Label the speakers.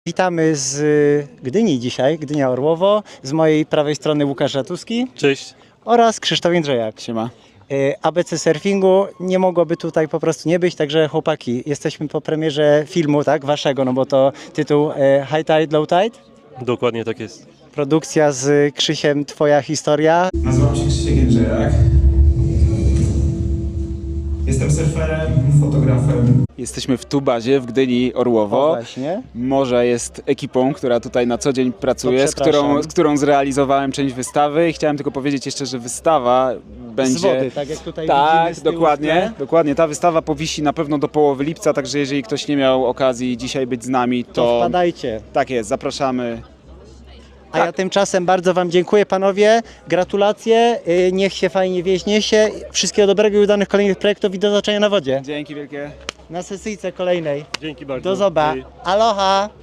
Speaker 1: Witamy z Gdyni dzisiaj, Gdynia Orłowo. Z mojej prawej strony Łukasz Ratuski.
Speaker 2: Cześć.
Speaker 1: Oraz Krzysztof Jędrzejak.
Speaker 2: Siema.
Speaker 1: ABC Surfingu nie mogłoby tutaj po prostu nie być, także chłopaki, jesteśmy po premierze filmu, tak, waszego, no bo to tytuł High Tide, Low Tide.
Speaker 2: Dokładnie tak jest.
Speaker 1: Produkcja z Krzysiem, twoja historia.
Speaker 3: Nazywam się Krzysiek Jędrzejak. Jestem surferem, fotografem.
Speaker 4: Jesteśmy w Tubazie w Gdyni
Speaker 1: O,
Speaker 4: Orłowo.
Speaker 1: właśnie.
Speaker 4: Morze jest ekipą, która tutaj na co dzień pracuje,
Speaker 1: To
Speaker 4: z którą,
Speaker 1: przepraszam.
Speaker 4: z którą zrealizowałem część wystawy i chciałem tylko powiedzieć jeszcze, że wystawa będzie...
Speaker 1: Z wody, tak jak tutaj
Speaker 4: Tak,
Speaker 1: widzimy z tyłu w
Speaker 4: dokładnie,
Speaker 1: tle.
Speaker 4: dokładnie. Ta wystawa powisi na pewno do połowy lipca, także jeżeli ktoś nie miał okazji dzisiaj być z nami,
Speaker 1: To
Speaker 4: to
Speaker 1: wpadajcie.
Speaker 4: tak jest, zapraszamy.
Speaker 1: A ja tymczasem bardzo wam dziękuję, panowie. Gratulacje, niech się fajnie wieźnie się. Wszystkiego dobrego i udanych kolejnych projektów i do zobaczenia na wodzie.
Speaker 4: Dzięki wielkie.
Speaker 1: Na sesyjce kolejnej.
Speaker 2: Dzięki bardzo.
Speaker 1: Do zoba.
Speaker 2: Hej.
Speaker 1: Aloha!